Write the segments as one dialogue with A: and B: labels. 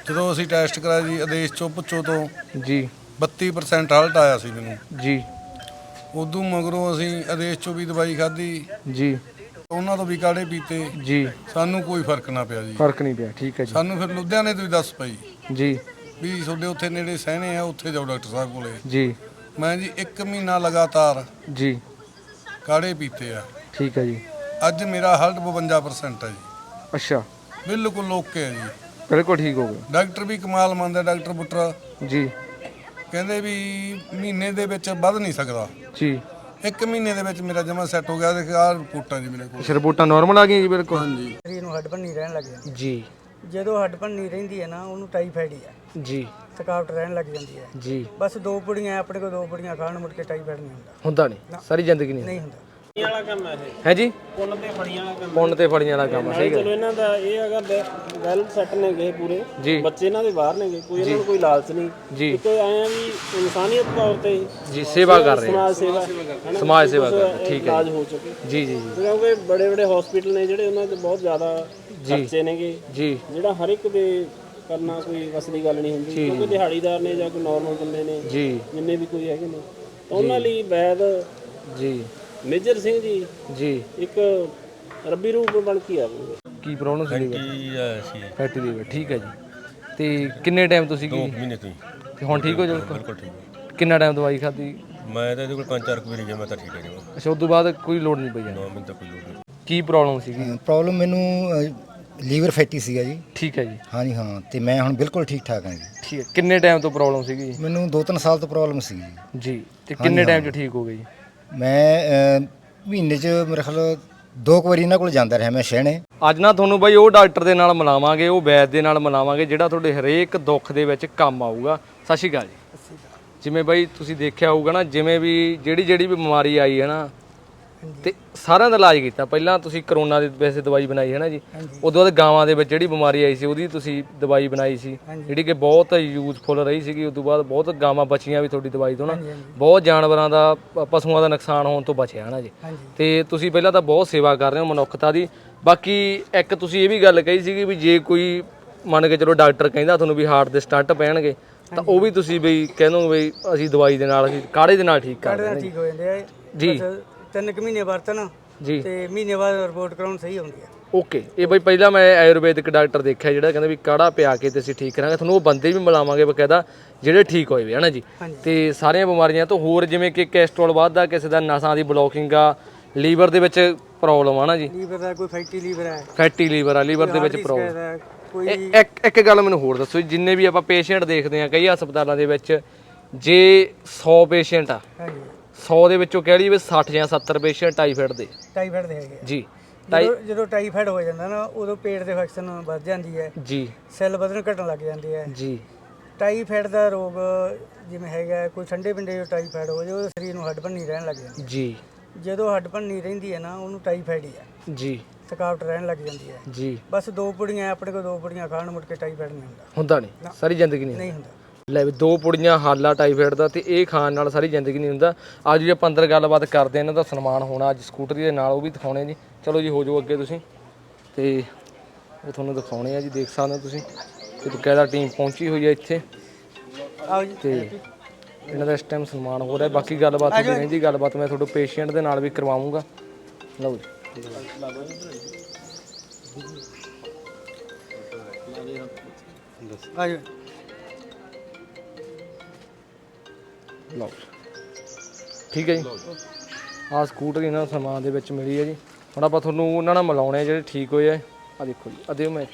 A: ਜਦੋਂ ਅਸੀਂ ਟੈਸਟ ਕਰਾਇਆ ਜੀ ਆਦੇਸ਼ ਚੋਂ ਪੁੱਛੋ ਤੋਂ
B: ਜੀ
A: 32% ਹਲਟ ਆਇਆ ਸੀ ਮੈਨੂੰ।
B: ਜੀ
A: ਉਦੋਂ ਮਗਰੋਂ ਅਸੀਂ ਆਦੇਸ਼ ਚੋਂ ਵੀ ਦਵਾਈ ਖਾਧੀ,
B: ਜੀ
A: ਉਹਨਾਂ ਤੋਂ ਵੀ ਕਾੜੇ ਪੀਤੇ,
B: ਜੀ
A: ਸਾਨੂੰ ਕੋਈ ਫਰਕ ਨਾ ਪਿਆ ਜੀ।
B: ਫਰਕ ਨਹੀਂ ਪਿਆ, ਠੀਕ ਹੈ ਜੀ।
A: ਸਾਨੂੰ ਫਿਰ ਲੁਧਿਆਣੇ ਤੋਂ ਹੀ ਦੱਸ ਪਈ
B: ਜੀ
A: ਵੀ ਤੁਹਾਡੇ ਉੱਥੇ ਨੇੜੇ ਸਹਿਣੇ ਆ, ਉੱਥੇ ਜਾਓ ਡਾਕਟਰ ਸਾਹਿਬ ਕੋਲੇ।
B: ਜੀ
A: ਮੈਂ ਜੀ 1 ਮਹੀਨਾ ਲਗਾਤਾਰ
B: ਜੀ
A: ਕਾੜੇ ਪੀਤੇ ਆ।
B: ਠੀਕ ਹੈ ਜੀ।
A: ਅੱਜ ਮੇਰਾ ਹਲਟ 52% ਹੈ ਜੀ,
B: ਅੱਛਾ,
A: ਬਿਲਕੁਲ ਓਕੇ ਹੈ ਜੀ।
B: ਬਿਲਕੁਲ ਠੀਕ ਹੋ ਗਿਆ
A: ਡਾਕਟਰ ਵੀ ਕਮਾਲ ਮੰਨਦਾ, ਡਾਕਟਰ ਪੁੱਟਰ
B: ਜੀ।
A: ਕਹਿੰਦੇ ਵੀ ਮਹੀਨੇ ਦੇ ਵਿੱਚ ਵੱਧ ਨਹੀਂ ਸਕਦਾ।
B: ਜੀ
A: 1 ਮਹੀਨੇ ਦੇ ਵਿੱਚ ਮੇਰਾ ਜਮਾ ਸੈੱਟ ਹੋ ਗਿਆ। ਦੇਖ ਆਹ ਰਿਪੋਰਟਾਂ ਜੀ ਮੇਰੇ ਕੋਲ।
B: ਅੱਛਾ, ਰਿਪੋਰਟਾਂ ਨਾਰਮਲ ਆ ਗਈਆਂ ਜੀ? ਬਿਲਕੁਲ
A: ਹਾਂਜੀ।
C: ਸਰੀਰ ਨੂੰ ਹੱਡ ਭੰਨੀ ਰਹਿਣ ਲੱਗ ਜਾਂਦੀ
B: ਜੀ
C: ਜਦੋਂ ਹੱਡ ਭੰਨੀ ਰਹਿੰਦੀ ਹੈ ਨਾ, ਉਹਨੂੰ ਟਾਈਫਾਈਡ ਹੀ ਹੈ।
B: ਜੀ
C: ਥਕਾਵਟ ਰਹਿਣ ਲੱਗ ਜਾਂਦੀ ਹੈ।
B: ਜੀ।
C: ਬਸ 2 ਪੁੜੀਆਂ ਆਪਣੇ ਕੋਲ, 2 ਪੁੜੀਆਂ ਖਾਣ ਮੁੜ ਕੇ ਟਾਈਫਾਈਡ ਨਹੀਂ ਹੁੰਦਾ।
B: ਹੁੰਦਾ ਨਹੀਂ, ਸਾਰੀ ਜ਼ਿੰਦਗੀ ਨਹੀਂ
C: ਨਹੀਂ ਹੁੰਦਾ।
D: ਵਾਲਾ ਕੰਮ ਹੈ ਇਹ,
B: ਹੈ ਜੀ।
D: ਪੁੰਨ ਤੇ ਫੜੀਆਂ ਵਾਲਾ ਕੰਮ।
B: ਪੁੰਨ ਤੇ ਫੜੀਆਂ ਵਾਲਾ ਕੰਮ, ਸਹੀ
D: ਚਲੋ
B: ਗੱਲ
D: ਇਹਨਾਂ ਦਾ ਇਹ ਹੈਗਾ ਵੈਲ ਸੈੱਟ ਨੇ ਗਏ ਪੂਰੇ,
B: ਜੀ
D: ਬੱਚੇ ਇਹਨਾਂ ਦੇ ਬਾਹਰ ਨੇ ਗਏ, ਕੋਈ ਇਹਨਾਂ ਨੂੰ ਕੋਈ ਲਾਲਚ ਨਹੀਂ
B: ਜੀ
D: ਇੱਕ ਆਏ ਆ ਵੀ ਇਨਸਾਨੀਅਤ ਤੌਰ ਤੇ
B: ਜੀ। ਸੇਵਾ ਕਰ ਰਹੇ
D: ਸਮਾਜ ਸੇਵਾ ਹਨਾ,
B: ਸਮਾਜ ਸੇਵਾ ਕਰ
D: ਕੁਛ
B: ਰਹੇ, ਠੀਕ ਹੈ
D: ਇਲਾਜ
B: ਜੀ।
D: ਹੋ ਚੁੱਕੇ,
B: ਜੀ ਜੀ ਜੀ
D: ਕਿਉਂਕਿ ਬੜੇ ਬੜੇ ਹਸਪੀਟਲ ਨੇ ਜਿਹੜੇ ਉਹਨਾਂ 'ਚ ਬਹੁਤ ਜ਼ਿਆਦਾ ਖਰਚੇ ਨੇਗੇ,
B: ਜੀ
D: ਜਿਹੜਾ ਹਰ ਇੱਕ ਦੇ ਕਰਨਾ ਕੋਈ ਵਸ ਦੀ ਗੱਲ ਨਹੀਂ ਹੁੰਦੀ, ਕਿਉਂਕਿ ਦਿਹਾੜੀਦਾਰ ਨੇ ਜਾਂ ਕੋਈ ਨਾਰਮਲ ਬੰਦੇ ਨੇ
B: ਜੀ
D: ਜਿੰਨੇ ਵੀ ਕੋਈ ਹੈਗੇ ਨੇ, ਤਾਂ ਉਹਨਾਂ ਲਈ ਵੈਦ
B: ਜੀ
D: ਮੇਜਰ ਸਿੰਘ ਜੀ
B: ਜੀ।
D: ਇੱਕ ਰੱਬੀ ਰੂਪ ਬਣ ਕੇ ਆ ਗਏ।
B: ਕੀ ਪ੍ਰੋਬਲਮ ਸੀ?
E: ਸੀ
B: ਫੈਟੀ ਲੀਵਰ, ਠੀਕ ਹੈ ਜੀ। ਤੇ ਕਿੰਨੇ ਟਾਈਮ ਤੁਸੀਂ
E: 2
B: ਕੀ
E: ਮਹੀਨੇ ਤੋਂ ਹੀ
B: ਤੇ ਹੁਣ ਠੀਕ ਹੋ ਜਾਓ?
E: ਬਿਲਕੁਲ ਠੀਕ।
B: ਕਿੰਨਾ ਟਾਈਮ ਦਵਾਈ ਖਾਧੀ?
E: ਮੈਂ ਤਾਂ ਇਹਦੇ ਕੋਲ 5-4 ਵਾਰੀ ਗਿਆ, ਮੈਂ ਤਾਂ ਠੀਕ ਹੈ ਜੀ।
B: ਅੱਛਾ, ਉਸ ਤੋਂ ਬਾਅਦ ਕੋਈ ਲੋੜ ਨਹੀਂ ਪਈ ਜਾਣੀ?
E: 9 ਮਹੀਨੇ ਤੱਕ ਕੋਈ ਲੋੜ ਨਹੀਂ।
B: ਕੀ ਪ੍ਰੋਬਲਮ ਸੀਗੀ?
F: ਪ੍ਰੋਬਲਮ ਮੈਨੂੰ ਲੀਵਰ ਫੈਟੀ ਸੀਗਾ ਜੀ।
B: ਠੀਕ ਹੈ ਜੀ।
F: ਹਾਂਜੀ ਹਾਂ, ਤੇ ਮੈਂ ਹੁਣ ਬਿਲਕੁਲ ਠੀਕ ਠਾਕ ਹਾਂ ਜੀ।
B: ਠੀਕ ਹੈ। ਕਿੰਨੇ ਟਾਈਮ ਤੋਂ ਪ੍ਰੋਬਲਮ ਸੀਗੀ?
F: ਮੈਨੂੰ 2-3 ਸਾਲ ਤੋਂ ਪ੍ਰੋਬਲਮ ਸੀ ਜੀ।
B: ਜੀ। ਤੇ ਕਿੰਨੇ ਟਾਈਮ 'ਚ ਠੀਕ ਹੋ ਗਈ?
F: ਮੈਂ ਮਹੀਨੇ 'ਚ ਮੇਰੇ ਖਿਆਲ 2 ਵਾਰੀ ਇਹਨਾਂ ਕੋਲ ਜਾਂਦਾ ਰਿਹਾ ਮੈਂ ਸ਼ਹਿਣੇ।
B: ਅੱਜ ਨਾ ਤੁਹਾਨੂੰ ਬਾਈ ਉਹ ਡਾਕਟਰ ਦੇ ਨਾਲ ਮਿਲਾਵਾਂਗੇ, ਉਹ ਵੈਦ ਦੇ ਨਾਲ ਮਿਲਾਵਾਂਗੇ ਜਿਹੜਾ ਤੁਹਾਡੇ ਹਰੇਕ ਦੁੱਖ ਦੇ ਵਿੱਚ ਕੰਮ ਆਊਗਾ। ਸਤਿ ਸ਼੍ਰੀ ਅਕਾਲ ਜੀ। ਜਿਵੇਂ ਬਾਈ ਤੁਸੀਂ ਦੇਖਿਆ ਹੋਊਗਾ ਨਾ, ਜਿਵੇਂ ਵੀ ਜਿਹੜੀ ਵੀ ਬਿਮਾਰੀ ਆਈ ਹੈ ਨਾ, ਤੇ ਸਾਰਿਆਂ ਦਾ ਇਲਾਜ ਕੀਤਾ। ਪਹਿਲਾਂ ਤੁਸੀਂ ਕਰੋਨਾ ਦੀ ਵੈਸੇ ਦਵਾਈ ਬਣਾਈ ਹੈ ਨਾ ਜੀ, ਉਦੋਂ ਬਾਅਦ ਗਾਵਾਂ ਦੇ ਵਿੱਚ ਜਿਹੜੀ ਬਿਮਾਰੀ ਆਈ ਸੀ ਉਹਦੀ ਤੁਸੀਂ ਦਵਾਈ ਬਣਾਈ ਸੀ, ਜਿਹੜੀ ਕਿ ਬਹੁਤ ਯੂਜ਼ਫੁਲ ਰਹੀ ਸੀਗੀ। ਉਦੋਂ ਬਾਅਦ ਬਹੁਤ ਗਾਵਾਂ ਬਚੀਆਂ ਵੀ ਤੁਹਾਡੀ ਦਵਾਈ ਤੋਂ ਨਾ, ਬਹੁਤ ਜਾਨਵਰਾਂ ਦਾ ਪਸ਼ੂਆਂ ਦਾ ਨੁਕਸਾਨ ਹੋਣ ਤੋਂ ਬਚਿਆ ਹੈ ਨਾ ਜੀ। ਤੇ ਤੁਸੀਂ ਪਹਿਲਾਂ ਤਾਂ ਬਹੁਤ ਸੇਵਾ ਕਰ ਰਹੇ ਹੋ ਮਨੁੱਖਤਾ ਦੀ। ਬਾਕੀ ਇੱਕ ਤੁਸੀਂ ਇਹ ਵੀ ਗੱਲ ਕਹੀ ਸੀਗੀ ਵੀ ਜੇ ਕੋਈ ਮੰਨ ਕੇ ਚਲੋ ਡਾਕਟਰ ਕਹਿੰਦਾ ਤੁਹਾਨੂੰ ਵੀ ਹਾਰਟ ਦੇ ਸਟੰਟ ਪੈਣਗੇ, ਤਾਂ ਉਹ ਵੀ ਤੁਸੀਂ ਬਈ ਕਹਿੰਦੇ ਬਈ ਅਸੀਂ ਦਵਾਈ ਦੇ ਨਾਲ, ਅਸੀਂ ਕਾੜੇ ਦੇ ਨਾਲ ਠੀਕ ਕਰ
C: ਕਾੜੇ ਨਾਲ
B: ਦਿੰਦੇ
C: ਠੀਕ ਹੋ ਜਾਂਦੇ ਆ
B: ਜੀ।
C: 3 ਮਹੀਨੇ ਵਰਤਣ
B: ਜੀ।
C: ਤੇ ਮਹੀਨੇ ਬਾਅਦ ਰਿਪੋਰਟ ਕਰਾਉਣ ਸਹੀ ਹੁੰਦੀ ਹੈ।
B: ਓਕੇ। ਇਹ ਬਈ ਪਹਿਲਾਂ ਮੈਂ ਆਯੁਰਵੈਦਿਕ ਡਾਕਟਰ ਦੇਖਿਆ ਜਿਹੜਾ ਕਹਿੰਦਾ ਵੀ ਕਾੜਾ ਪਿਆ ਕੇ ਤੇ ਅਸੀਂ ਠੀਕ ਕਰਾਂਗੇ। ਤੁਹਾਨੂੰ ਉਹ ਬੰਦੇ ਵੀ ਮਿਲਾਵਾਂਗੇ ਬਕਾਇਦਾ ਜਿਹੜੇ ਠੀਕ ਹੋਏ ਵੇ ਹਨਾ ਜੀ। ਤੇ ਸਾਰੀਆਂ ਬਿਮਾਰੀਆਂ ਤੋਂ ਹੋਰ, ਜਿਵੇਂ ਕਿ ਕੋਲੇਸਟ੍ਰੋਲ ਵੱਧਦਾ, ਕਿਸੇ ਦਾ ਨਸਾਂ ਦੀ ਬਲੋਕਿੰਗ ਆ, ਲੀਵਰ ਦੇ ਵਿੱਚ ਪ੍ਰੋਬਲਮ ਆ ਨਾ ਜੀ,
C: ਲੀਵਰ ਦਾ ਕੋਈ ਫੈਟੀ ਲੀਵਰ ਹੈ,
B: ਫੈਟੀ ਲੀਵਰ ਆ, ਲੀਵਰ ਦੇ ਵਿੱਚ ਪ੍ਰੋਬਲਮ।
C: ਸ਼ਿਕਾਇਤ ਹੈ ਕੋਈ।
B: ਇੱਕ ਗੱਲ ਮੈਨੂੰ ਹੋਰ ਦੱਸੋ ਜੀ, ਜਿੰਨੇ ਵੀ ਆਪਾਂ ਪੇਸ਼ੈਂਟ ਦੇਖਦੇ ਆ ਕਈ ਹਸਪਤਾਲਾਂ ਦੇ ਵਿੱਚ, ਜੇ 100 ਪੇਸ਼ੈਂਟ ਆ,
C: ਹਾਂਜੀ
B: 100 ਦੇ ਵਿੱਚੋਂ ਕਹਿ ਲਈਏ ਵੀ 60 ਜਾਂ 70 ਪੇਸ਼ੈਂਟ ਟਾਈਫਾਇਡ ਦੇ
C: ਟਾਈਫਾਈਡ ਦੇ ਹੈਗੇ ਆ।
B: ਜੀ।
C: ਜਦੋਂ ਟਾਈਫਾਈਡ ਹੋ ਜਾਂਦਾ ਨਾ, ਉਦੋਂ ਪੇਟ ਦੇ ਇਨਫੈਕਸ਼ਨ ਵੱਧ ਜਾਂਦੀ ਹੈ,
B: ਜੀ
C: ਸੈੱਲ ਵਧਣ ਘਟਣ ਲੱਗ ਜਾਂਦੇ ਹੈ।
B: ਜੀ
C: ਟਾਈਫਾਈਡ ਦਾ ਰੋਗ ਜਿਵੇਂ ਹੈਗਾ, ਕੋਈ ਠੰਡੇ ਪਿੰਡੇ ਜੋ ਟਾਈਫਾਈਡ ਹੋ ਜਾਵੇ, ਉਹਦੇ ਸਰੀਰ ਨੂੰ ਹੱਡ ਭੰਨੀ ਰਹਿਣ ਲੱਗ ਜਾਂਦੀ
B: ਜੀ
C: ਹੈ। ਜਦੋਂ ਹੱਡ ਭੰਨੀ ਰਹਿੰਦੀ ਹੈ ਨਾ, ਉਹਨੂੰ ਟਾਈਫਾਈਡ ਹੀ ਹੈ।
B: ਜੀ
C: ਥਕਾਵਟ ਰਹਿਣ ਲੱਗ ਜਾਂਦੀ ਹੈ।
B: ਜੀ।
C: ਬਸ 2 ਪੁੜੀਆਂ ਆਪਣੇ ਕੋਲ, 2 ਪੁੜੀਆਂ ਖਾਣ ਮੁੜ ਕੇ ਟਾਈਫਾਈਡ ਨਹੀਂ ਹੁੰਦਾ।
B: ਹੁੰਦਾ ਨਹੀਂ, ਸਾਰੀ ਜ਼ਿੰਦਗੀ ਨਹੀਂ
C: ਨਹੀਂ ਹੁੰਦਾ।
B: ਲੈ ਵੀ 2 ਪੁੜੀਆਂ ਹਾਲਾ ਟਾਈਫਾਇਡ ਦਾ, ਤੇ ਇਹ ਖਾਣ ਨਾਲ ਸਾਰੀ ਜ਼ਿੰਦਗੀ ਨਹੀਂ ਹੁੰਦਾ। ਅੱਜ ਜੀ ਆਪਾਂ ਅੰਦਰ ਗੱਲਬਾਤ ਕਰਦੇ, ਇਹਨਾਂ ਦਾ ਸਨਮਾਨ ਹੋਣਾ ਅੱਜ ਸਕੂਟਰੀ ਦੇ ਨਾਲ, ਉਹ ਵੀ ਦਿਖਾਉਣੇ ਜੀ। ਚਲੋ ਜੀ ਹੋ ਜਾਓ ਅੱਗੇ ਤੁਸੀਂ, ਤੇ ਉਹ ਤੁਹਾਨੂੰ ਦਿਖਾਉਣੇ ਆ ਜੀ। ਦੇਖ ਸਕਦੇ ਹੋ ਤੁਸੀਂ ਕਿ ਬਕਾਇਦਾ ਟੀਮ ਪਹੁੰਚੀ ਹੋਈ ਹੈ ਇੱਥੇ,
C: ਆਓ ਜੀ।
B: ਤੇ ਇਹਨਾਂ ਦਾ ਇਸ ਟਾਈਮ ਸਨਮਾਨ ਹੋ ਰਿਹਾ। ਬਾਕੀ ਗੱਲਬਾਤ ਹੋਈ ਰਹਿੰਦੀ, ਗੱਲਬਾਤ ਮੈਂ ਤੁਹਾਡੇ ਪੇਸ਼ੈਂਟ ਦੇ ਨਾਲ ਵੀ ਕਰਵਾਉਂਗਾ। ਲਓ ਜੀ।
C: ਆ ਜਾਓ।
B: ਲਓ ਠੀਕ ਹੈ ਜੀ। ਆਹ ਸਕੂਟਰ ਇਹਨਾਂ ਨੂੰ ਸਨਮਾਨ ਦੇ ਵਿੱਚ ਮਿਲੀ ਹੈ ਜੀ। ਹੁਣ ਆਪਾਂ ਤੁਹਾਨੂੰ ਉਹਨਾਂ ਨਾਲ ਮਿਲਾਉਣੇ ਆ ਜਿਹੜੇ ਠੀਕ ਹੋਏ ਆ। ਆ ਦੇਖੋ ਜੀ, ਆ ਦਿਓ ਮੈਂ।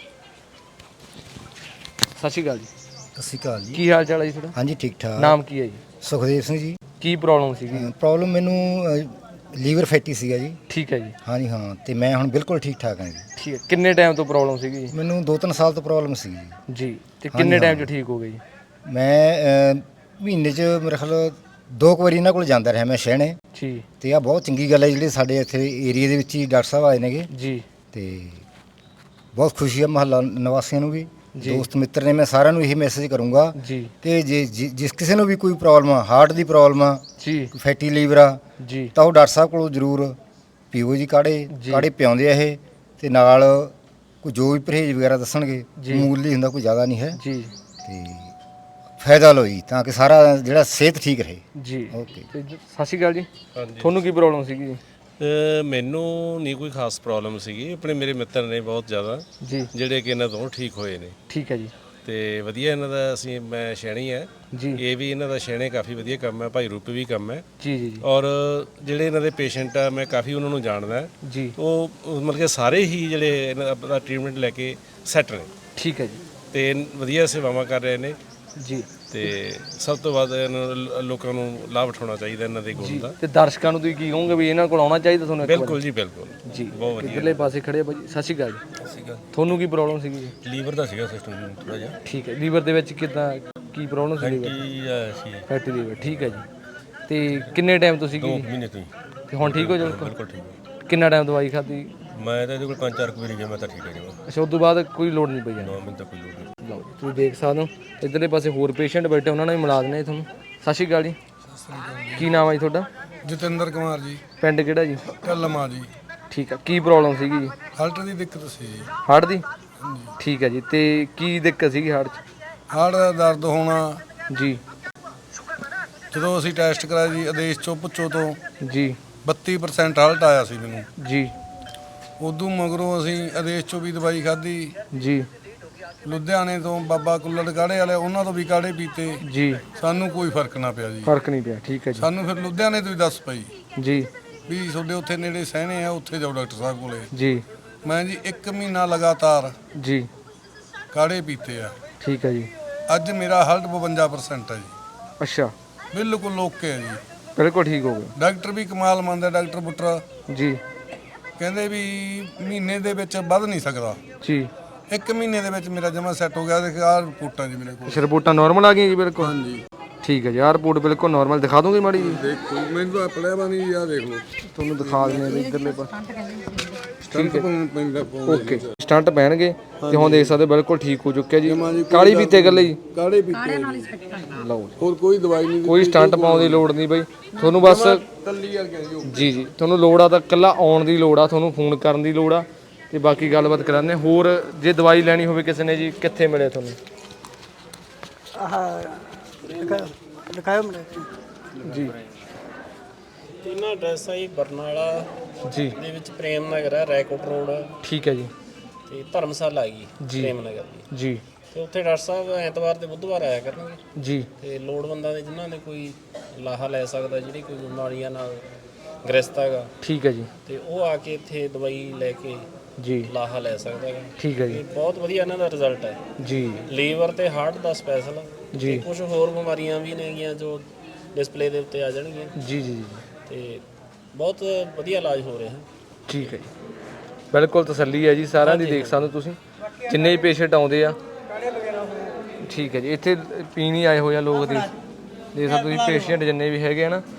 B: ਸਤਿ ਸ਼੍ਰੀ ਅਕਾਲ ਜੀ।
F: ਸਤਿ ਸ਼੍ਰੀ ਅਕਾਲ ਜੀ।
B: ਕੀ ਹਾਲ ਚਾਲ ਹੈ ਜੀ ਤੁਹਾਡਾ?
F: ਹਾਂਜੀ ਠੀਕ ਠਾਕ।
B: ਨਾਮ ਕੀ ਹੈ ਜੀ?
F: ਸੁਖਦੇਵ ਸਿੰਘ ਜੀ।
B: ਕੀ ਪ੍ਰੋਬਲਮ ਸੀਗੀ?
F: ਪ੍ਰੋਬਲਮ ਮੈਨੂੰ ਲੀਵਰ ਫੈਟੀ ਸੀਗਾ ਜੀ।
B: ਠੀਕ ਹੈ ਜੀ।
F: ਹਾਂਜੀ ਹਾਂ, ਤੇ ਮੈਂ ਹੁਣ ਬਿਲਕੁਲ ਠੀਕ ਠਾਕ ਹਾਂ ਜੀ।
B: ਠੀਕ ਹੈ। ਕਿੰਨੇ ਟਾਈਮ ਤੋਂ ਪ੍ਰੋਬਲਮ ਸੀਗੀ?
F: ਮੈਨੂੰ 2-3 ਸਾਲ ਤੋਂ ਪ੍ਰੋਬਲਮ ਸੀ ਜੀ।
B: ਜੀ। ਤੇ ਕਿੰਨੇ ਟਾਈਮ 'ਚ ਠੀਕ ਹੋ ਗਈ?
F: ਮੈਂ ਮਹੀਨੇ 'ਚ ਮੇਰੇ ਖਿਆਲ 2 ਵਾਰੀ ਇਹਨਾਂ ਕੋਲ ਜਾਂਦਾ ਰਿਹਾ ਮੈਂ ਸ਼ਹਿਣੇ।
B: ਜੀ।
F: ਤੇ ਆ ਬਹੁਤ ਚੰਗੀ ਗੱਲ ਹੈ ਜਿਹੜੇ ਸਾਡੇ ਇੱਥੇ ਏਰੀਆ ਦੇ ਵਿੱਚ ਹੀ ਡਾਕਟਰ ਸਾਹਿਬ ਆਏ ਨੇਗੇ।
B: ਜੀ।
F: ਤੇ ਬਹੁਤ ਖੁਸ਼ੀ ਹੈ ਮਹੱਲਾ ਨਿਵਾਸੀਆਂ ਨੂੰ ਵੀ, ਦੋਸਤ ਮਿੱਤਰ ਨੇ। ਮੈਂ ਸਾਰਿਆਂ ਨੂੰ ਇਹ ਮੈਸੇਜ ਕਰੂੰਗਾ
B: ਜੀ
F: ਕਿ ਜੇ ਜਿਸ ਕਿਸੇ ਨੂੰ ਵੀ ਕੋਈ ਪ੍ਰੋਬਲਮ ਆ, ਹਾਰਟ ਦੀ ਪ੍ਰੋਬਲਮ ਆ,
B: ਜੀ
F: ਫੈਟੀ ਲੀਵਰ ਆ,
B: ਜੀ
F: ਤਾਂ ਉਹ ਡਾਕਟਰ ਸਾਹਿਬ ਕੋਲੋਂ ਜ਼ਰੂਰ ਪੀਓ ਜੀ ਕਾੜੇ। ਕਾੜੇ ਪਿਆਉਂਦੇ ਆ ਇਹ, ਤੇ ਨਾਲ ਕੋਈ ਜੋ ਵੀ ਪਰਹੇਜ਼ ਵਗੈਰਾ ਦੱਸਣਗੇ ਮਾਮੂਲੀ ਹੁੰਦਾ, ਕੋਈ ਜ਼ਿਆਦਾ ਨਹੀਂ ਹੈ
B: ਜੀ
F: ਤੇ ਫਾਇਦਾ ਲਓ ਜੀ, ਤਾਂ ਕਿ ਸਾਰਾ ਜਿਹੜਾ ਸਿਹਤ ਠੀਕ ਰਹੇ।
B: ਜੀ
F: ਓਕੇ।
B: ਤੇ ਸਤਿ ਸ਼੍ਰੀ ਅਕਾਲ ਜੀ, ਤੁਹਾਨੂੰ ਕੀ ਪ੍ਰੋਬਲਮ ਸੀਗੀ ਜੀ?
G: ਮੈਨੂੰ ਨਹੀਂ ਕੋਈ ਖਾਸ ਪ੍ਰੋਬਲਮ ਸੀਗੀ, ਆਪਣੇ ਮੇਰੇ ਮਿੱਤਰ ਨੇ ਬਹੁਤ ਜ਼ਿਆਦਾ
B: ਜੀ
G: ਜਿਹੜੇ ਕਿ ਇਹਨਾਂ ਤੋਂ ਠੀਕ ਹੋਏ ਨੇ
B: ਠੀਕ ਹੈ ਜੀ।
G: ਤੇ ਵਧੀਆ ਇਹਨਾਂ ਦਾ, ਮੈਂ ਸ਼ੈਣੀ ਹੈ
B: ਜੀ
G: ਇਹ ਵੀ ਇਹਨਾਂ ਦਾ ਸ਼ੈਣੇ ਕਾਫੀ ਵਧੀਆ ਕੰਮ ਹੈ, ਭਾਈ ਰੂਪ ਵੀ ਕੰਮ ਹੈ।
B: ਜੀ ਜੀ ਜੀ
G: ਔਰ ਜਿਹੜੇ ਇਹਨਾਂ ਦੇ ਪੇਸ਼ੈਂਟ ਆ ਮੈਂ ਕਾਫੀ ਉਹਨਾਂ ਨੂੰ ਜਾਣਦਾ,
B: ਜੀ
G: ਉਹ ਮਤਲਬ ਕਿ ਸਾਰੇ ਹੀ ਜਿਹੜੇ ਇਹਨਾਂ ਦਾ ਟ੍ਰੀਟਮੈਂਟ ਲੈ ਕੇ ਸੈੱਟ ਨੇ
B: ਠੀਕ ਹੈ ਜੀ।
G: ਤੇ ਵਧੀਆ ਸੇਵਾਵਾਂ ਕਰ ਰਹੇ ਨੇ
B: ਜੀ
G: ਤੇ ਸਭ ਤੋਂ ਵੱਧ ਇਹਨਾਂ ਨੂੰ ਲੋਕਾਂ ਨੂੰ ਲਾਭ ਉਠਾਉਣਾ ਚਾਹੀਦਾ ਇਹਨਾਂ ਦੇ ਗੁਣ ਦਾ।
B: ਤੇ ਦਰਸ਼ਕਾਂ ਨੂੰ ਤੁਸੀਂ ਕੀ ਕਹੋਗੇ ਵੀ ਇਹਨਾਂ ਕੋਲ ਆਉਣਾ ਚਾਹੀਦਾ ਤੁਹਾਨੂੰ? ਇੱਕ
G: ਬਿਲਕੁਲ ਜੀ ਬਿਲਕੁਲ
B: ਵਾਰ ਜੀ
G: ਬਹੁਤ ਵਧੀਆ।
B: ਇਧਰਲੇ ਪਾਸੇ ਖੜੇ ਆ ਭਾਜੀ, ਸਤਿ ਸ਼੍ਰੀ ਅਕਾਲ ਜੀ। ਤੁਹਾਨੂੰ ਕੀ ਪ੍ਰੋਬਲਮ ਸੀਗੀ ਜੀ?
E: ਲੀਵਰ ਦਾ ਸੀਗਾ ਸਿਸਟਮ ਥੋੜਾ ਜਿਹਾ
B: ਠੀਕ ਹੈ, ਲੀਵਰ ਦੇ ਵਿੱਚ ਕਿੱਦਾਂ ਕੀ ਪ੍ਰੋਬਲਮ ਸੀ? ਲੀਵਰ
E: ਕੀ ਸੀ
B: ਫੈਟੀ ਲੀਵਰ, ਠੀਕ ਹੈ ਜੀ। ਤੇ ਕਿੰਨੇ ਟਾਈਮ ਤੋਂ ਸੀਗੀ
E: 2 ਮਹੀਨੇ ਤੋਂ ਹੀ
B: ਤੇ ਹੁਣ ਠੀਕ ਹੋ ਜਾਓ?
E: ਬਿਲਕੁਲ ਠੀਕ ਹੈ।
B: ਕਿੰਨਾ ਟਾਈਮ ਦਵਾਈ ਖਾਧੀ?
E: ਮੈਂ ਤਾਂ ਇਹਦੇ ਕੋਲ 5-4 ਵਾਰੀ ਗਿਆ, ਮੈਂ ਤਾਂ ਠੀਕ ਹੈ ਜੀ।
B: ਅੱਛਾ, ਉਸ ਤੋਂ ਬਾਅਦ ਕੋਈ ਲੋੜ ਨਹੀਂ ਪਈ ਜਾਣੀ?
E: 9 ਮਿੰਟ ਤੱਕ ਕੋਈ ਲੋੜ ਨਹੀਂ।
B: ਲਓ ਜੀ, ਤੁਸੀਂ ਦੇਖ ਸਕਦੇ ਹੋ ਇਧਰਲੇ ਪਾਸੇ ਹੋਰ ਪੇਸ਼ੈਂਟ ਬੈਠੇ, ਉਹਨਾਂ ਨਾਲ ਵੀ ਮਿਲਾ ਦਿੰਦੇ ਤੁਹਾਨੂੰ। ਸਤਿ ਸ਼੍ਰੀ ਅਕਾਲ ਜੀ, ਕੀ ਨਾਮ ਹੈ ਜੀ ਤੁਹਾਡਾ?
A: ਜਤਿੰਦਰ ਕੁਮਾਰ ਜੀ,
B: ਪਿੰਡ ਕਿਹੜਾ ਜੀ?
A: ਢੱਲਮਾ ਜੀ।
B: ਠੀਕ ਆ, ਕੀ ਪ੍ਰੋਬਲਮ ਸੀਗੀ ਜੀ?
A: ਹਾਰਟ ਦੀ ਦਿੱਕਤ ਸੀ ਜੀ।
B: ਹਾਰਟ ਦੀ? ਠੀਕ ਹੈ ਜੀ। ਤੇ ਕੀ ਦਿੱਕਤ ਸੀਗੀ ਹਾਰਟ 'ਚ?
A: ਹਾਰਟ ਦਾ ਦਰਦ ਹੋਣਾ,
B: ਜੀ
A: ਜਦੋਂ ਅਸੀਂ ਟੈਸਟ ਕਰਾਇਆ ਜੀ ਆਦੇਸ਼ ਚੋਂ ਪੁੱਛੋ ਤੋਂ
B: ਜੀ
A: 32% ਹਾਰਟ ਆਇਆ ਸੀ ਮੈਨੂੰ।
B: ਜੀ
A: ਉਦੋਂ ਮਗਰੋਂ ਅਸੀਂ ਆਦੇਸ਼ ਚੋਂ ਵੀ ਦਵਾਈ ਖਾਧੀ,
B: ਜੀ
A: ਲੁਧਿਆਣੇ ਤੋਂ ਬਾਬਾ ਕੁੱਲੜ ਕਾੜੇ ਵਾਲੇ ਉਹਨਾਂ ਤੋਂ ਵੀ ਕਾੜੇ ਪੀਤੇ,
B: ਜੀ
A: ਸਾਨੂੰ ਕੋਈ ਫਰਕ ਨਾ ਪਿਆ ਜੀ।
B: ਫਰਕ ਨਹੀਂ ਪਿਆ, ਠੀਕ ਹੈ ਜੀ।
A: ਸਾਨੂੰ ਫਿਰ ਲੁਧਿਆਣੇ ਤੋਂ ਹੀ ਦੱਸ ਪਈ
B: ਜੀ
A: ਵੀ ਤੁਹਾਡੇ ਉੱਥੇ ਨੇੜੇ ਸਹਿਣੇ ਆ, ਉੱਥੇ ਜਾਓ ਡਾਕਟਰ ਸਾਹਿਬ ਕੋਲੇ।
B: ਜੀ
A: ਮੈਂ ਜੀ 1 ਮਹੀਨਾ ਲਗਾਤਾਰ
B: ਜੀ
A: ਕਾੜੇ ਪੀਤੇ ਆ,
B: ਠੀਕ ਹੈ ਜੀ।
A: ਅੱਜ ਮੇਰਾ ਹਾਰਟ 52% ਹੈ ਜੀ,
B: ਅੱਛਾ,
A: ਬਿਲਕੁਲ ਓਕੇ ਹੈ ਜੀ।
B: ਬਿਲਕੁਲ ਠੀਕ ਹੋ ਗਿਆ
A: ਡਾਕਟਰ ਵੀ ਕਮਾਲ ਮੰਨਦਾ, ਡਾਕਟਰ ਬੁੱਟਰ
B: ਜੀ।
A: ਕਹਿੰਦੇ ਵੀ ਮਹੀਨੇ ਦੇ ਵਿੱਚ ਵੱਧ ਨਹੀਂ ਸਕਦਾ।
B: ਜੀ
A: 1 ਮਹੀਨੇ ਦੇ ਵਿੱਚ ਮੇਰਾ ਜਮਾ ਸੈੱਟ ਹੋ ਗਿਆ। ਦੇਖ ਆਹ ਰਿਪੋਰਟਾਂ ਜੀ ਮੇਰੇ ਕੋਲ।
B: ਅੱਛਾ, ਰਿਪੋਰਟਾਂ ਨਾਰਮਲ ਆ ਗਈਆਂ ਜੀ? ਬਿਲਕੁਲ
A: ਹਾਂਜੀ
B: ਠੀਕ ਹੈ ਜੀ। ਆਹ ਰਿਪੋਰਟ ਬਿਲਕੁਲ ਨਾਰਮਲ ਦਿਖਾ ਦੋਗੇ ਮਾੜੀ ਜੀ?
A: ਦੇਖੋ ਮੈਨੂੰ ਤਾਂ ਪੜਿਆ ਵਾ ਨਹੀਂ, ਆਹ ਦੇਖ ਲਓ
B: ਤੁਹਾਨੂੰ ਦਿਖਾ ਦਿੰਦੇ ਆ ਇਧਰਲੇ ਪਾਸੇ।
A: ਸਟੰਟ ਪੈਂਦਾ
B: ਓਕੇ, ਸਟੰਟ ਪੈਣਗੇ ਤੇ ਹੁਣ ਦੇਖ ਸਕਦੇ ਹੋ ਬਿਲਕੁਲ ਠੀਕ ਹੋ ਚੁੱਕਿਆ ਜੀ। ਕਾਲੀ ਪੀਤੇ ਗੱਲੇ ਜੀ?
A: ਕਾੜੇ ਪੀਤੇ
B: ਲਓ ਜੀ,
A: ਹੋਰ ਕੋਈ ਦਵਾਈ ਨਹੀਂ,
B: ਕੋਈ ਸਟੰਟ ਪਾਉਣ ਦੀ ਲੋੜ ਨਹੀਂ ਬਈ ਤੁਹਾਨੂੰ, ਬਸ
A: ਤੱਲੀ ਵਰਗੇ ਜੀ।
B: ਜੀ ਤੁਹਾਨੂੰ ਲੋੜ ਆ ਤਾਂ ਇਕੱਲਾ ਆਉਣ ਦੀ ਲੋੜ ਆ, ਤੁਹਾਨੂੰ ਫੋਨ ਕਰਨ ਦੀ ਲੋੜ ਆ ਤੇ ਬਾਕੀ ਗੱਲਬਾਤ ਕਰਾਂਦੇ। ਹੋਰ ਜੇ ਦਵਾਈ ਲੈਣੀ ਹੋਵੇ ਕਿਸੇ ਨੇ ਜੀ, ਕਿੱਥੇ ਮਿਲੇ ਤੁਹਾਨੂੰ?
C: ਦਿਖਾਓ ਮੇਰੇ
B: ਜੀ
D: ਇਹਨਾਂ ਐਡਰੈਸ ਆ ਜੀ ਬਰਨਾਲਾ
B: ਜੀ
D: ਦੇ ਵਿੱਚ ਪ੍ਰੇਮ ਨਗਰ ਹੈ, ਰੈਕੋਟ ਰੋਡ
B: ਠੀਕ ਹੈ ਜੀ।
D: ਤੇ ਧਰਮਸ਼ਾਲਾ ਹੈਗੀ
B: ਜੀ।
D: ਪ੍ਰੇਮ ਨਗਰ ਦੀ।
B: ਜੀ
D: ਤੇ ਉੱਥੇ ਡਾਕਟਰ ਸਾਹਿਬ ਐਤਵਾਰ ਤੇ ਬੁੱਧਵਾਰ ਆਇਆ ਕਰਨਗੇ।
B: ਜੀ
D: ਤੇ ਲੋੜਵੰਦਾਂ ਦੇ ਜਿਨ੍ਹਾਂ ਦੇ ਕੋਈ ਲਾਹਾ ਲੈ ਸਕਦਾ, ਜਿਹੜੀ ਕੋਈ ਬਿਮਾਰੀਆਂ ਨਾਲ ਗ੍ਰਸਤ ਹੈਗਾ,
B: ਠੀਕ ਹੈ ਜੀ।
D: ਤੇ ਉਹ ਆ ਕੇ ਇੱਥੇ ਦਵਾਈ ਲੈ ਕੇ
B: ਜੀ
D: ਲਾਹਾ ਲੈ ਸਕਦਾ ਹੈਗਾ।
B: ਠੀਕ ਹੈ
D: ਤੇ
B: ਜੀ।
D: ਬਹੁਤ ਵਧੀਆ ਇਹਨਾਂ ਦਾ ਰਿਜ਼ਲਟ ਹੈ।
B: ਜੀ
D: ਲੀਵਰ ਤੇ ਹਾਰਟ ਦਾ ਸਪੈਸ਼ਲ,
B: ਜੀ
D: ਕੁਝ ਹੋਰ ਬਿਮਾਰੀਆਂ ਵੀ ਨੇਗੀਆਂ ਜੋ ਡਿਸਪਲੇ ਦੇ ਉੱਤੇ ਆ ਜਾਣਗੀਆਂ।
B: ਜੀ ਜੀ ਜੀ
D: ਤੇ ਬਹੁਤ ਵਧੀਆ ਇਲਾਜ ਹੋ ਰਿਹਾ ਹੈ।
B: ਠੀਕ ਹੈ ਜੀ, ਬਿਲਕੁਲ ਤਸੱਲੀ ਹੈ ਜੀ ਸਾਰਿਆਂ ਦੀ। ਦੇਖ ਸਕਦੇ ਹੋ ਤੁਸੀਂ ਜਿੰਨੇ ਵੀ ਪੇਸ਼ੈਂਟ ਆਉਂਦੇ ਆ। ਠੀਕ ਹੈ ਜੀ, ਇੱਥੇ ਪੀਣ ਹੀ ਆਏ ਹੋਏ ਆ ਲੋਕ। ਦੇਖ ਸਕਦੇ ਤੁਸੀਂ ਪੇਸ਼ੈਂਟ ਜਿੰਨੇ ਵੀ ਹੈਗੇ ਆ ਨਾ।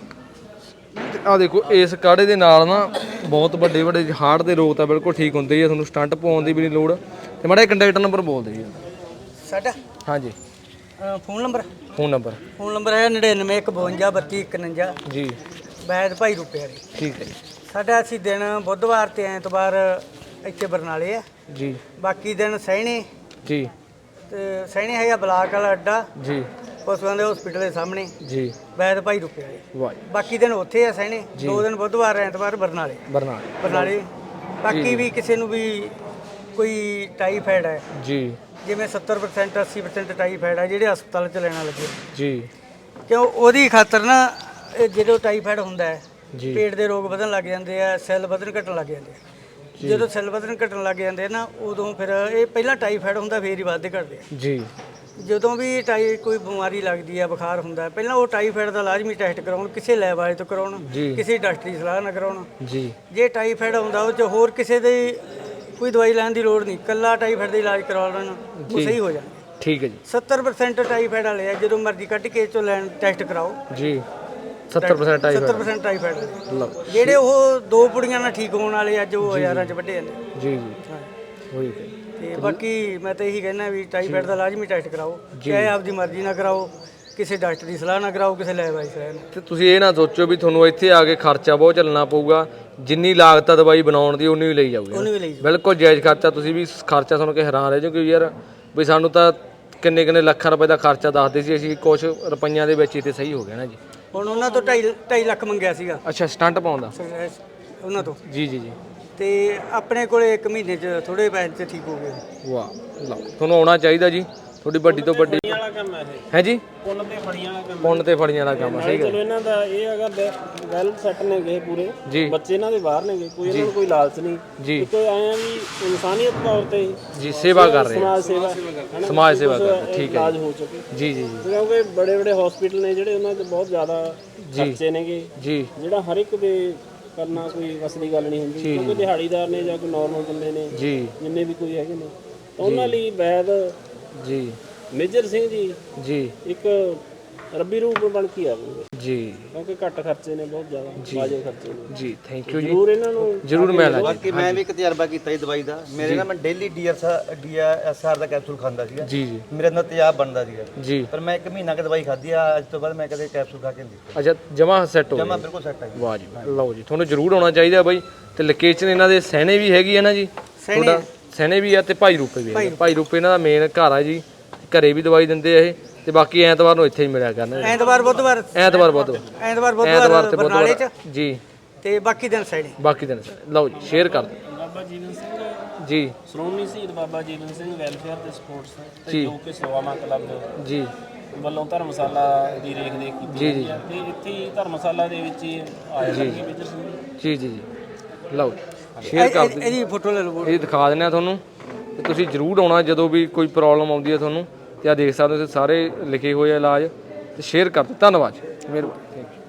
B: ਆ ਦੇਖੋ, ਇਸ ਕਾੜੇ ਦੇ ਨਾਲ ਨਾ ਬਹੁਤ ਵੱਡੇ ਵੱਡੇ ਹਾਰਟ ਦੇ ਰੋਗ ਤਾਂ ਬਿਲਕੁਲ ਠੀਕ ਹੁੰਦੇ ਹੀ ਆ, ਤੁਹਾਨੂੰ ਸਟੰਟ ਪਾਉਣ ਦੀ ਵੀ ਨਹੀਂ ਲੋੜ। ਤੇ ਮਾੜਾ ਕੰਟੈਕਟ ਨੰਬਰ ਬੋਲ ਦਿਓ ਜੀ
C: ਸਾਡਾ
B: ਹਾਂਜੀ।
C: ਫੋਨ ਨੰਬਰ
B: ਫੋਨ ਨੰਬਰ
C: ਹੈ 9915322151
B: ਜੀ।
C: ਵੈਦ ਭਾਈ ਰੁਪਏ ਵਾਲੀ।
B: ਠੀਕ ਹੈ ਜੀ।
C: ਸਾਡਾ ਅਸੀਂ ਦਿਨ ਬੁੱਧਵਾਰ ਤੇ ਐਤਵਾਰ ਇੱਥੇ ਬਰਨਾਲੇ ਆ,
B: ਜੀ
C: ਬਾਕੀ ਦਿਨ ਸਹਿਣੇ
B: ਜੀ
C: ਤੇ ਸਹਿਣੇ ਹੈਗਾ ਬਲਾਕ ਵਾਲਾ ਅੱਡਾ,
B: ਜੀ
C: ਪਸ਼ੂਆਂ ਦੇ ਹਸਪੀਟਲ ਦੇ ਸਾਹਮਣੇ,
B: ਜੀ।
C: ਵੈਦ ਭਾਈ ਰੁਪਏ ਵਾਲੇ।
B: ਵਾਹ,
C: ਬਾਕੀ ਦਿਨ ਉੱਥੇ ਆ ਸਹਿਣੇ, 2 ਦਿਨ ਬੁੱਧਵਾਰ ਐਤਵਾਰ ਬਰਨਾਲੇ।
B: ਬਰਨਾਲੇ
C: ਬਾਕੀ ਵੀ ਕਿਸੇ ਨੂੰ ਵੀ ਕੋਈ ਟਾਈਫਾਇਡ ਹੈ,
B: ਜੀ
C: ਜਿਵੇਂ 70% 80% ਟਾਈਫਾਇਡ ਹੈ, ਜਿਹੜੇ ਹਸਪਤਾਲ 'ਚ ਲੈਣਾ ਲੱਗੇ,
B: ਜੀ
C: ਕਿਉਂ ਉਹਦੀ ਖਾਤਰ ਨਾ ਇਹ ਜਦੋਂ ਟਾਈਫਾਇਡ ਹੁੰਦਾ ਹੈ,
B: ਜੀ।
C: ਪੇਟ ਦੇ ਰੋਗ ਵਧਣ ਲੱਗ ਜਾਂਦੇ ਆ, ਸੈੱਲ ਵਧਣ ਘਟਣ ਲੱਗ ਜਾਂਦੇ ਆ। ਜਦੋਂ ਸੈੱਲ ਵਧਣ ਘਟਣ ਲੱਗ ਜਾਂਦੇ ਨਾ, ਉਦੋਂ ਫਿਰ ਇਹ ਪਹਿਲਾਂ ਟਾਈਫਾਇਡ ਹੁੰਦਾ, ਫੇਰ ਹੀ ਵੱਧਦੇ ਘਟਦੇ ਆ।
B: ਜੀ।
C: ਜਦੋਂ ਵੀ ਕੋਈ ਬਿਮਾਰੀ ਲੱਗਦੀ ਆ, ਬੁਖਾਰ ਹੁੰਦਾ, ਪਹਿਲਾਂ ਉਹ ਟਾਈਫਾਇਡ ਦਾ ਲਾਜ਼ਮੀ ਟੈਸਟ ਕਰਾਉਣ, ਕਿਸੇ ਲੈਬ ਵਾਲੇ ਤੋਂ ਕਰਾਉਣ, ਕਿਸੇ ਡਾਕਟਰ ਦੀ ਸਲਾਹ ਨਾਲ ਕਰਾਉਣ
B: ਜੀ।
C: ਜੇ ਟਾਈਫਾਇਡ ਹੁੰਦਾ, ਉਹ 'ਚ ਹੋਰ ਕਿਸੇ ਦੇ ਕੋਈ ਦਵਾਈ ਲੈਣ ਦੀ ਲੋੜ ਨਹੀਂ, ਕੱਲਾ ਟਾਈਫਾਇਡ ਦਾ ਇਲਾਜ ਕਰਵਾ ਲੈਣ, ਉਹ ਸਹੀ ਹੋ ਜਾਣਗੇ।
B: ਠੀਕ ਹੈ ਜੀ।
C: 70% ਟਾਈਫਾਇਡ ਵਾਲੇ ਆ, ਜਦੋਂ ਮਰਜ਼ੀ ਕੱਢ ਕੇ ਚੋਂ ਲੈਣ ਟੈਸਟ ਕਰਾਓ
B: ਜੀ। 70% ਟਾਈਫਾਇਡ
C: 70% ਟਾਈਫਾਇਡ ਜਿਹੜੇ ਉਹ 2 ਪੁੜੀਆਂ ਨਾਲ ਠੀਕ ਹੋਣ ਵਾਲੇ, ਅੱਜ ਉਹ ਹਜ਼ਾਰਾਂ 'ਚ ਵੱਡੇ ਜਾਂਦੇ।
B: ਜੀ ਜੀ ਹੋਈ
C: ਤੇ ਬਾਕੀ ਮੈਂ ਤਾਂ ਇਹੀ ਕਹਿਣਾ ਵੀ ਟਾਈਫਾਇਡ ਦਾ ਲਾਜ਼ਮੀ ਟੈਸਟ ਕਰਾਓ, ਚਾਹੇ ਆਪਦੀ ਮਰਜ਼ੀ ਨਾਲ ਕਰਾਓ, ਕਿਸੇ ਡਾਕਟਰ ਦੀ ਸਲਾਹ ਨਾਲ ਕਰਾਓ, ਕਿਸੇ ਲੈਬ ਵਾਲੀ ਸਲਾਹ ਨਾਲ।
B: ਤੇ ਤੁਸੀਂ ਇਹ ਨਾ ਸੋਚੋ ਵੀ ਤੁਹਾਨੂੰ ਇੱਥੇ ਆ ਕੇ ਖਰਚਾ ਬਹੁਤ ਚੱਲਣਾ ਪਊਗਾ। ਜਿੰਨੀ ਲਾਗਤ ਆ ਦਵਾਈ ਬਣਾਉਣ ਦੀ ਉਨੀ ਹੀ ਲਈ ਜਾਊਗੀ
C: ਉਹਨੂੰ ਵੀ ਲਈ ਜਾਓ।
B: ਬਿਲਕੁਲ ਜਾਇਜ਼ ਖਰਚਾ। ਤੁਸੀਂ ਵੀ ਖਰਚਾ ਸੁਣ ਕੇ ਹੈਰਾਨ ਰਹਿ ਜਾਓਗੇ ਯਾਰ ਵੀ ਸਾਨੂੰ ਤਾਂ ਕਿੰਨੇ ਲੱਖਾਂ ਰੁਪਏ ਦਾ ਖਰਚਾ ਦੱਸਦੇ ਸੀ, ਅਸੀਂ ਕੁਝ ਰੁਪਈਆਂ ਦੇ ਵਿੱਚ ਹੀ ਤੇ ਸਹੀ ਹੋ ਗਿਆ ਨਾ ਜੀ।
C: ਹੁਣ ਉਹਨਾਂ ਤੋਂ 2.5 ਲੱਖ ਮੰਗਿਆ ਸੀਗਾ
B: ਅੱਛਾ ਸਟੰਟ ਪਾਉਂਦਾ
C: ਉਹਨਾਂ ਤੋਂ,
B: ਜੀ ਜੀ ਜੀ।
C: ਤੇ ਆਪਣੇ ਕੋਲੇ 1 ਮਹੀਨੇ 'ਚ ਥੋੜੇ ਪੈਸੇ 'ਚ ਠੀਕ ਹੋ ਗਏ।
B: ਵਾਹ ਲਓ ਤੁਹਾਨੂੰ ਆਉਣਾ ਚਾਹੀਦਾ ਜੀ, ਤੁਹਾਡੀ ਵੱਡੀ ਤੋਂ ਵੱਡੀ
D: ਵਾਲਾ ਕੰਮ ਹੈ ਇਹ,
B: ਹੈ ਜੀ।
D: ਪੁੰਨ ਤੇ ਫੜੀਆਂ ਵਾਲਾ ਕੰਮ
B: ਪੁੰਨ ਤੇ ਫੜੀਆਂ ਵਾਲਾ ਕੰਮ ਆ, ਸਹੀ ਗੱਲ
D: ਚਲੋ ਇਹਨਾਂ ਦਾ ਇਹ ਹੈਗਾ ਵੈਲ ਸੈੱਟ ਨੇ ਗਏ ਪੂਰੇ
B: ਜੀ
D: ਬੱਚੇ ਇਹਨਾਂ ਦੇ ਬਾਹਰ ਨੇ ਗਏ, ਕੋਈ ਇਹਨਾਂ ਨੂੰ ਕੋਈ ਲਾਲਚ ਨਹੀਂ
B: ਜੀ
D: ਕੋਈ ਆਇਆ ਵੀ ਇਨਸਾਨੀਅਤ ਤੌਰ ਤੇ
B: ਜੀ ਸੇਵਾ ਕਰ ਰਹੇ ਆ,
D: ਸਮਾਜ ਸੇਵਾ ਹਨਾ,
B: ਸਮਾਜ ਸੇਵਾ ਕਰ ਰਹੇ ਆ, ਠੀਕ ਹੈ
D: ਇਲਾਜ ਹੋ ਚੁੱਕੇ
B: ਜੀ ਜੀ ਜੀ
D: ਕਿਉਂਕਿ ਬੜੇ ਹਸਪੀਟਲ ਨੇ ਜਿਹੜੇ ਉਹਨਾਂ 'ਚ ਬਹੁਤ ਜ਼ਿਆਦਾ ਖਰਚੇ ਨੇਗੇ,
B: ਜੀ
D: ਜਿਹੜਾ ਹਰ ਇੱਕ ਦੇ ਕਰਨਾ ਕੋਈ ਵਸ ਦੀ ਗੱਲ ਨਹੀਂ ਹੁੰਦੀ, ਕਿਉਂਕਿ ਦਿਹਾੜੀਦਾਰ ਨੇ ਜਾਂ ਕੋਈ ਨਾਰਮਲ ਬੰਦੇ ਨੇ
B: ਜੀ
D: ਜਿੰਨੇ ਵੀ ਕੋਈ ਹੈਗੇ ਨੇ ਤਾਂ ਉਹਨਾਂ ਲਈ ਵੈਦ
B: ਜੀ
D: ਮੇਜਰ ਸਿੰਘ ਜੀ
B: ਜੀ
D: ਇੱਕ ਰੱਬੀ ਰੂਪ ਬਣ ਕੇ ਆਵੇ,
B: ਜੀ
D: ਕਿਉਂਕਿ ਘੱਟ ਖਰਚੇ ਨੇ, ਬਹੁਤ ਜ਼ਿਆਦਾ ਵਾਜਬ ਖਰਚੇ ਨੇ।
B: ਜੀ ਥੈਂਕ ਯੂ ਜੀ,
D: ਜ਼ਰੂਰ ਇਹਨਾਂ ਨੂੰ
B: ਜ਼ਰੂਰ ਮੈਂ ਲਾ
H: ਬਾਕੀ ਮੈਂ ਵੀ ਇੱਕ ਤਜਰਬਾ ਕੀਤਾ ਜੀ ਦਵਾਈ ਦਾ। ਮੇਰੇ ਨਾਲ ਮੈਂ ਡੇਲੀ DSR ਦਾ ਕੈਪਸੂਲ ਖਾਂਦਾ ਸੀਗਾ,
B: ਜੀ ਜੀ
H: ਮੇਰੇ ਅੰਦਰ ਤੇਜ਼ਾਬ ਬਣਦਾ ਸੀਗਾ,
B: ਜੀ।
H: ਪਰ ਮੈਂ 1 ਮਹੀਨਾ ਕਿ ਦਵਾਈ ਖਾਧੀ ਆ, ਅੱਜ ਤੋਂ ਬਾਅਦ ਮੈਂ ਕਦੇ ਕੈਪਸੂਲ ਖਾ ਕੇ ਨਹੀਂ ਦੇਖਿਆ,
B: ਅੱਛਾ ਜਮਾ ਸੈੱਟ ਹੋ
H: ਜਮਾ
B: ਗਿਆ।
H: ਬਿਲਕੁਲ ਸੈੱਟ ਆ ਜੀ।
B: ਵਾਹ ਜੀ ਲਓ ਜੀ, ਤੁਹਾਨੂੰ ਜ਼ਰੂਰ ਆਉਣਾ ਚਾਹੀਦਾ ਬਾਈ। ਤੇ ਲੋਕੇਸ਼ਨ ਇਹਨਾਂ ਦੇ ਸਹਿਣੇ ਵੀ ਹੈਗੀ ਹੈ ਨਾ ਜੀ, ਤੁਹਾਡਾ ਸਹਿਣੇ ਵੀ ਆ ਤੇ ਭਾਈ ਰੂਪੇ ਵੀ ਹੈ। ਭਾਈ ਰੂਪੇ ਇਹਨਾਂ ਦਾ ਮੇਨ ਘਰ ਆ ਜੀ, ਘਰੇ ਵੀ ਦਵਾਈ ਦਿੰਦੇ ਆ ਇਹ, ਤੇ ਬਾਕੀ ਐਤਵਾਰ ਨੂੰ ਇੱਥੇ ਹੀ ਮਿਲਿਆ ਕਰਨਾ।
C: ਐਤਵਾਰ ਬੁੱਧਵਾਰ
B: ਐਤਵਾਰ ਤੇ
C: ਬਰਨਾਲੇ 'ਚ
B: ਬੁੱਧਵਾਰ ਜੀ,
C: ਤੇ ਬਾਕੀ ਦਿਨ ਸਾਈਡ।
B: ਬਾਕੀ ਦਿਨ ਲਓ ਜੀ ਸ਼ੇਅਰ ਕਰ ਦਿਓ
D: ਬਾਬਾ ਜੀਵਨ ਸਿੰਘ
B: ਜੀ,
D: ਸ਼੍ਰੋਮਣੀ ਸ਼ਹੀਦ ਬਾਬਾ ਜੀਵਨ ਸਿੰਘ ਵੈਲਫੇਅਰ ਤੇ ਸਪੋਰਟਸ ਤੇ
B: ਜੀ।
D: ਜੋ ਕਿ ਸੇਵਾਵਾਂ ਕਲੱਬ
B: ਜੀ
D: ਵੱਲੋਂ ਧਰਮਸ਼ਾਲਾ ਦੀ ਰੇਖ ਦੇਖ ਕੀਤੀ
B: ਜੀ, ਜੀ।
D: ਜਾਂਦੀ ਹੈ ਤੇ ਇੱਥੇ ਹੀ ਧਰਮਸ਼ਾਲਾ ਦੇ ਵਿੱਚ ਹੀ ਆਇਆ ਕਰਨਗੇ ਮੇਜਰ ਸਿੰਘ
B: ਜੀ ਜੀ ਜੀ ਲਓ ਸ਼ੇਅਰ ਕਰ ਦਿਓ।
C: ਇਹਦੀ ਫੋਟੋ ਲੈ ਲਓ।
B: ਇਹ ਦਿਖਾ ਦਿੰਦੇ ਆ ਤੁਹਾਨੂੰ, ਤੇ ਤੁਸੀਂ ਜ਼ਰੂਰ ਆਉਣਾ ਜਦੋਂ ਵੀ ਕੋਈ ਪ੍ਰੋਬਲਮ ਆਉਂਦੀ ਹੈ ਤੁਹਾਨੂੰ। ਤੇ ਆ ਦੇਖ ਸਕਦੇ ਹੋ ਸਾਰੇ ਲਿਖੇ ਹੋਏ ਆ ਇਲਾਜ, ਤੇ ਸ਼ੇਅਰ ਕਰ ਦਿਓ। ਧੰਨਵਾਦ, ਮਿਹਰਬਾਨੀ, ਥੈਂਕ ਯੂ।